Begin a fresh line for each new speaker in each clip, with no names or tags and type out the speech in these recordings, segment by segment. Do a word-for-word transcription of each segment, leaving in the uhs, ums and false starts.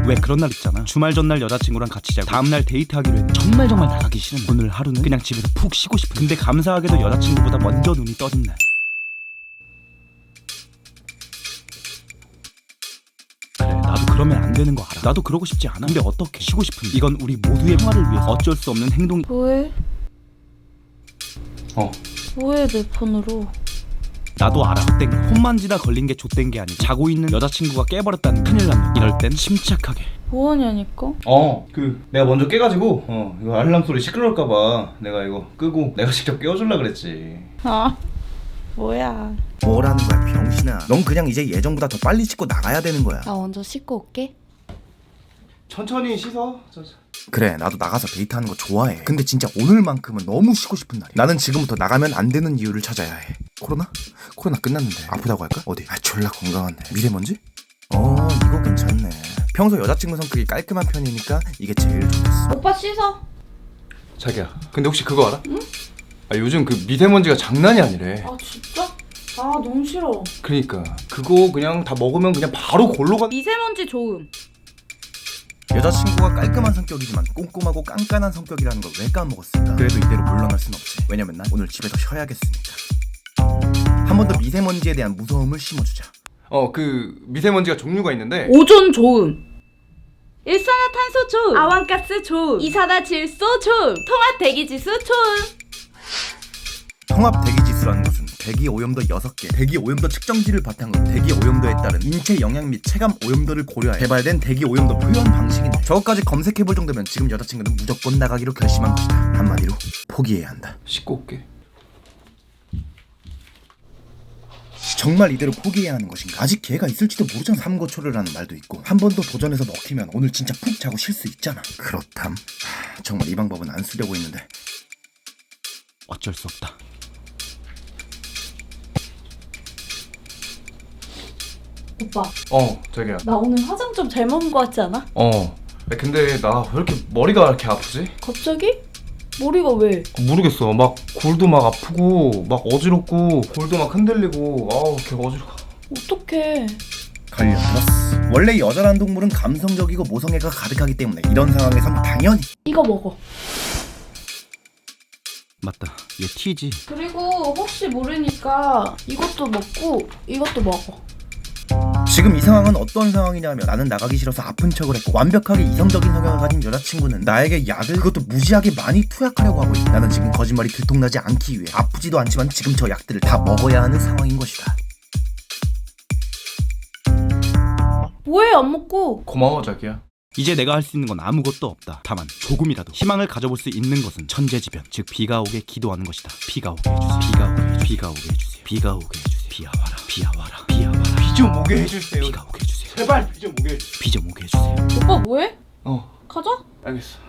왜 그런 날 있잖아. 주말 전날 여자친구랑 같이 자고 다음날 데이트하기로 했는데 정말 정말 나가기 싫은 날. 오늘 하루는 그냥 집에서 푹 쉬고 싶은. 근데 감사하게도 여자친구보다 먼저 눈이 떠진 날. 그래, 나도 그러면 안 되는 거 알아. 나도 그러고 싶지 않아. 근데 어떻게? 쉬고 싶은. 이건 우리 모두의 평화를 위해서 어쩔 수 없는 행동이.
뭐해?
어.
뭐해 내 폰으로?
나도 알아. 좆된 거. 폰 만지다 걸린 게 좆된 게 아니고 자고 있는 여자친구가 깨버렸다는 큰일 났네. 이럴 땐 침착하게.
뭐하냐니까?
어, 그 내가 먼저 깨가지고 어 이거 알람 소리 시끄러울까봐 내가 이거 끄고 내가 직접 깨워줄라 그랬지.
아 뭐야?
뭐라는 거야 병신아. 넌 그냥 이제 예전보다 더 빨리 씻고 나가야 되는 거야.
나 먼저 씻고 올게.
천천히 씻어. 저, 저.
그래 나도 나가서 데이트하는 거 좋아해. 근데 진짜 오늘만큼은 너무 쉬고 싶은 날이야. 나는 지금부터 나가면 안 되는 이유를 찾아야 해. 코로나? 코로나 끝났는데 아프다고 할까? 어디? 아 졸라 건강한데. 미세먼지? 어 이거 괜찮네. 평소 여자친구 성격이 깔끔한 편이니까 이게 제일 좋겠어.
오빠 씻어.
자기야, 근데 혹시 그거 알아? 응? 아 요즘 그 미세먼지가 장난이 아니래.
아 진짜? 아 너무 싫어.
그러니까 그거 그냥 다 먹으면 그냥 바로 골로 가.
미세먼지 좋음.
여자친구가 깔끔한 성격이지만 꼼꼼하고 깐깐한 성격이라는 걸 왜 까먹었을까? 그래도 이대로 물러날 순 없지. 왜냐면 난 오늘 집에서 쉬어야겠으니까. 한 번 더 미세먼지에 대한 무서움을 심어주자.
어, 그 미세먼지가 종류가 있는데.
오존 좋음. 일산화탄소 좋음. 아원가스 좋음. 이산화질소 좋음. 통합 대기지수 좋음.
통합 대기지수라는 것은 대기 오염도 여섯 개, 대기 오염도 측정기를 바탕으로 대기 오염도에 따른 인체 영향 및 체감 오염도를 고려해 개발된 대기 오염도 표현 방식인데, 저것까지 검색해볼 정도면 지금 여자친구는 무조건 나가기로 결심한 것이다. 한마디로 포기해야 한다.
씻고 올게.
정말 이대로 포기해야 하는 것인가? 아직 기회가 있을지도 모르잖아. 삼고초려라는 말도 있고, 한 번 더 도전해서 먹히면 오늘 진짜 푹 자고 쉴 수 있잖아. 그렇담. 하, 정말 이 방법은 안 쓰려고 했는데
어쩔 수 없다.
오빠
어, 자기야.
나 오늘 화장 좀 잘 먹은 거 같지 않아?
어. 근데 나 왜 이렇게 머리가 이렇게 아프지?
갑자기? 머리가 왜?
모르겠어. 막 골도 막 아프고 막 어지럽고 골도 막 흔들리고 아우 개 어지러워.
어떡해.
걸려들었어. 원래 여자란 동물은 감성적이고 모성애가 가득하기 때문에 이런 상황에선 당연히
이거 먹어.
맞다. 얘 T지.
그리고 혹시 모르니까 이것도 먹고 이것도 먹어.
지금 이 상황은 어떤 상황이냐면, 나는 나가기 싫어서 아픈 척을 했고 완벽하게 이성적인 성향을 가진 여자친구는 나에게 약을, 그것도 무지하게 많이 투약하려고 하고 있다. 나는 지금 거짓말이 들통나지 않기 위해 아프지도 않지만 지금 저 약들을 다 먹어야 하는 상황인 것이다.
뭐해 안 먹고?
고마워 자기야.
이제 내가 할 수 있는 건 아무것도 없다. 다만 조금이라도 희망을 가져볼 수 있는 것은 천재지변, 즉 비가 오게 기도하는 것이다. 비가 오게 해주세요. 비가 오게 해주세요. 비가 오게 해주세요. 비가 오게 해주세요. 비야 와라. 비야 와라. 비야 와라.
비 좀 오게 해주세요.
비가 오게 해주세요.
제발 비 좀 오게 해주세요.
비 좀 오게 해주세요.
오빠 뭐해?
어,
가자.
알겠어.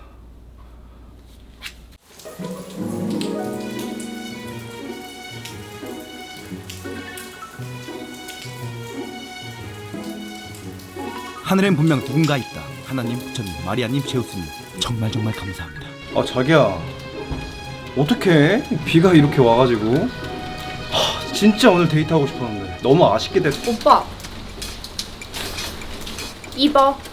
하늘엔 분명 누군가 있다. 하나님, 부처님, 마리아님, 제우스님, 정말 정말 감사합니다.
아 자기야, 어떡해? 비가 이렇게 와가지고. 하, 진짜 오늘 데이트하고 싶었는데 너무 아쉽게 됐어.
오빠 입어.